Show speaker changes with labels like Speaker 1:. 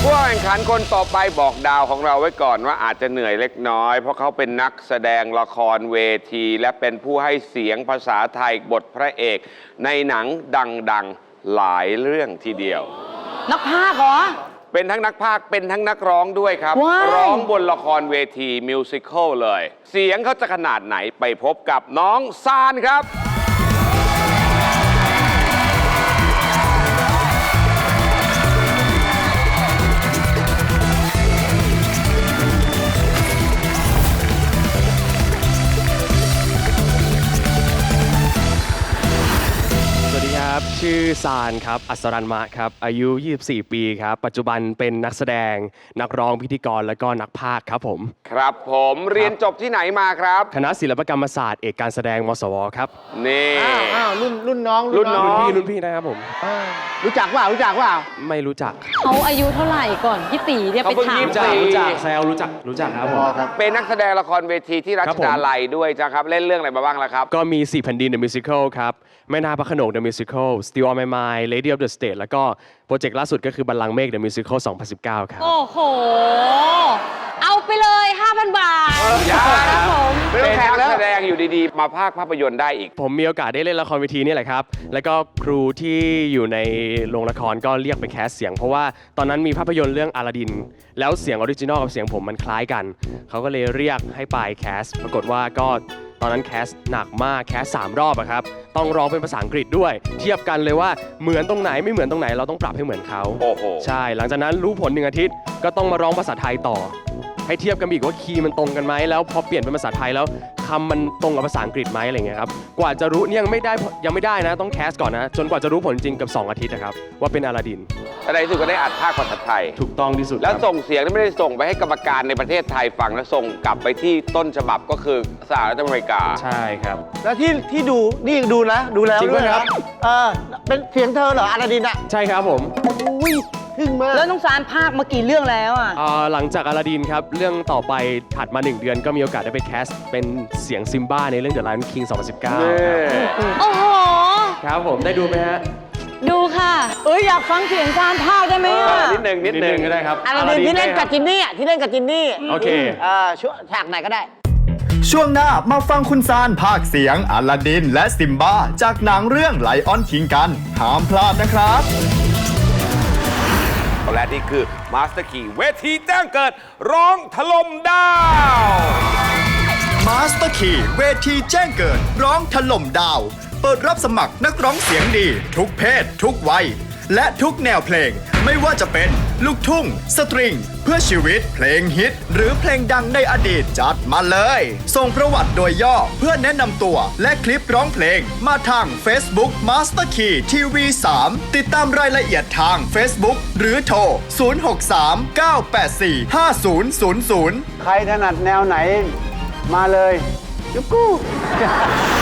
Speaker 1: ผู้แข่งขันคนต่อไปบอกดาวของเราไว้ก่อนว่าอาจจะเหนื่อยเล็กน้อยเพราะเขาเป็นนักแสดงละครเวทีและเป็นผู้ให้เสียงภาษาไทยบทพระเอกในหนังดังๆหลายเรื่องทีเดียว
Speaker 2: นักพากย์เหรอ
Speaker 1: เป็นทั้งนักพากย์เป็นทั้งนักร้องด้วยครับร้องบนละครเวทีมิวสิควลเลยเสียงเขาจะขนาดไหนไปพบกับน้องซานครับ
Speaker 3: ชื่อซานครับอัศรันมะครับอายุ24ปีครับปัจจุบันเป็นนักแสดงนักร้องพิธีกรและก็นักพากย์ครับผม
Speaker 1: ครับผมเรียนจบที่ไหนมาครับ
Speaker 3: คณะศิลปกรรมศาสตร์เอกการแสดงมศวครับ
Speaker 1: นี่
Speaker 4: รุ่นน้อง
Speaker 3: รุ่นพี่นะครับผม
Speaker 4: รู้จักว่า
Speaker 3: ไม่รู้จัก
Speaker 2: เขาอายุเท่าไหร่ก่อนพี่ตีเนี่ยไปถาม
Speaker 3: รู้จักแซวรู้จักครับผม
Speaker 1: เป็นนักแสดงละครเวทีที่รัชดาลัยด้วยจ้ะครับเล่นเรื่องอะไรมาบ้างล่ะครับ
Speaker 3: ก็มี4แผ่นดิน The Musical ครับแม่นาพระโขนง The Musical Still on My Mind Lady of the Stage แล้วก็โปรเจกต์ล่าสุดก็คือบัลลังก์เมฆ The Musical 2019 ครับ
Speaker 2: โอ้โหเอาไปเลย 5,000 บาท
Speaker 1: ครับผมเป็นนักแสดงอยู่ดีๆมาพากย์ภาพยนตร์ได้อีก
Speaker 3: ผมมีโอกาสได้เล่นละครเวทีนี่แหละครับแล้วก็ครูที่อยู่ในโรงละครก็เรียกไปแคสเสียงเพราะว่าตอนนั้นมีภาพยนตร์เรื่องอลาดินแล้วเสียงออริจินอลกับเสียงผมมันคล้ายกันเขาก็เลยเรียกให้ไปแคสปรากฏว่าก็ตอนนั้นแคสหนักมากแคส3 รอบอะครับต้องร้องเป็นภาษาอังกฤษด้วยเทียบกันเลยว่าเหมือนตรงไหนไม่เหมือนตรงไหนเราต้องปรับให้เหมือนเขา
Speaker 1: โอ้โห
Speaker 3: ใช่หลังจากนั้นรู้ผล1 อาทิตย์ก็ต้องมาร้องภาษาไทยต่อให้เทียบกันอีกว่าคีย์มันตรงกันไหมแล้วพอเปลี่ยนเป็นภาษาไทยแล้วคำมันตรงกับภาษาอังกฤษไหมอะไรเงี้ยครับกว่าจะรู้เนี่ยยังไม่ได้นะต้องแคสก่อนนะจนกว่าจะรู้ผลจริงกับ2 อาทิตย์นะครับว่าเป็นอลาดิน
Speaker 1: ในที่สุดก็ได้อัดภาคภาษาไทย
Speaker 3: ถูกต้องที่สุด
Speaker 1: แล้วส่งเสียงไม่ได้ส่งไปให้กรรมการในประเทศไทยฟังแล้วส่งกลับไปที่ต้นฉบับก็คือสหรัฐอเมริกา
Speaker 3: ใช่ครับ
Speaker 4: แล้วที่ดูนี่ดูแล้วด้วยครับเป็นเสียงเธอเหรออลาดินอ่ะ
Speaker 3: ใช่ครับผม
Speaker 4: อุ้ยทึ่งมาก
Speaker 2: แล้วน้องซานภาคมากี่เรื่องแล้วอ่ะ
Speaker 3: หลังจากอลาดินครับเรื่องต่อไปถัดมา1 เดือนก็มีโอกาสได้ไปแคสเป็นเสียงซิมบ้าในเรื่อง The Lion King 2019
Speaker 2: โอ้โห
Speaker 3: ครับผมได้ดูไหมฮะ
Speaker 2: ดูค่ะอยากฟังเสียงซานภาคได้ไหม
Speaker 1: นิดหนึ่ง
Speaker 3: ก็ได้ครับ
Speaker 4: อลาดินที่เล่นกับจินนี่
Speaker 3: โอเค
Speaker 4: ช่วงฉากไหนก็ได้
Speaker 5: ช่วงหน้ามาฟังคุณซานภาคเสียงอลาดินและซิมบ้าจากหนังเรื่องไลออนคิงกันห้ามพลาดนะครับ
Speaker 1: และนี่คือมาสเตอร์คีเวทีแจ้งเกิดร้องถล่มดาว
Speaker 5: มาสเตอร์คีเวทีแจ้งเกิดร้องถล่มดาวเปิดรับสมัครนักร้องเสียงดีทุกเพศทุกวัยและทุกแนวเพลงไม่ว่าจะเป็นลูกทุ่งสตริงเพื่อชีวิตเพลงฮิตหรือเพลงดังในอดีตจัดมาเลยส่งประวัติโดยย่อเพื่อแนะนำตัวและคลิปร้องเพลงมาทาง Facebook Master Key TV 3ติดตามรายละเอียดทาง Facebook หรือโทร 063-984-5000
Speaker 4: ใครถนัดแนวไหนมาเลยยุกกู้